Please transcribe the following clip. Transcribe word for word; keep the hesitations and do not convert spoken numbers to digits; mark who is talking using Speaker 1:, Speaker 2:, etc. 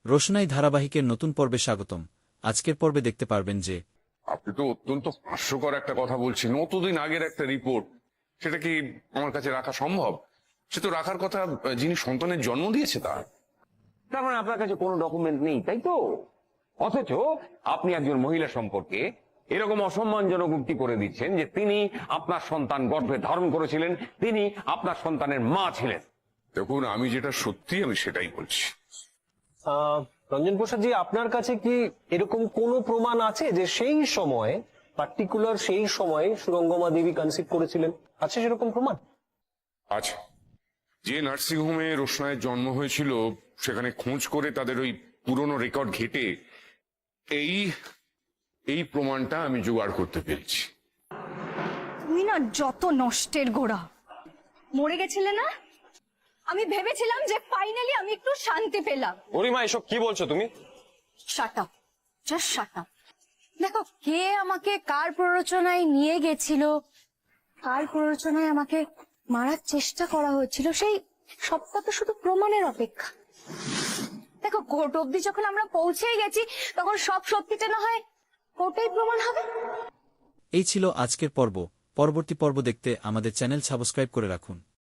Speaker 1: রোশনাই ধারাবাহিকের নতুন পর্বে স্বাগতম। আজকের পর্বে দেখতে পারবেন যে
Speaker 2: আপনি তো অত্যন্ত হাস্যকর একটা কথা বলছেন। অতদিন আগের একটা রিপোর্ট, সেটা কি আমার কাছে রাখা সম্ভব? সে তো রাখার কথা যিনি সন্তানের জন্ম দিয়েছে তার।
Speaker 3: তার মানে আপনার কাছে কোনো ডকুমেন্ট নেই, তাই তো? অথচ আপনি একজন মহিলা সম্পর্কে এরকম অসম্মানজনক উক্তি করে দিচ্ছেন যে তিনি আপনার সন্তান গর্ভে ধারণ করেছিলেন, তিনি আপনার সন্তানের মা ছিলেন।
Speaker 2: দেখুন, আমি যেটা সত্যি আমি সেটাই বলছি।
Speaker 4: আহ, রঞ্জন প্রসাদ জি, আপনার কাছে কি এরকম কোনো প্রমাণ আছে যে সেই সময় পার্টিকুলার সেই সময় সুরঙ্গমা দেবী কনসিভ করেছিলেন? আছে সেরকম প্রমাণ?
Speaker 2: আচ্ছা, যে নার্সিংহোমে রোশনায়ের জন্ম হয়েছিল সেখানে খোঁজ করে তাদের ওই পুরনো রেকর্ড ঘেটে এই এই প্রমাণটা আমি জোগাড় করতে পেরেছি।
Speaker 5: তুমি না যত নষ্টের গোড়া। মরে গেছিলে না, আমি ভেবেছিলাম যে ফাইনালি আমি একটু শান্তি পেলাম।
Speaker 4: গরিমা, এসব কি বলছো তুমি?
Speaker 5: Shut up, just shut up. দেখো, কে আমাকে কার প্ররোচনায় নিয়ে গেছিল, কার প্ররোচনায় আমাকে মারার চেষ্টা করা হচ্ছিল, সেই সবটা তো শুধু প্রমাণের অপেক্ষা। দেখো, কোর্ট অব্দি যখন আমরা পৌঁছেই গেছি তখন সব সত্যিটা না হয় কোর্টেই প্রমাণ হবে।
Speaker 1: এই ছিল আজকের পর্ব। পরবর্তী পর্ব দেখতে আমাদের চ্যানেল সাবস্ক্রাইব করে রাখুন।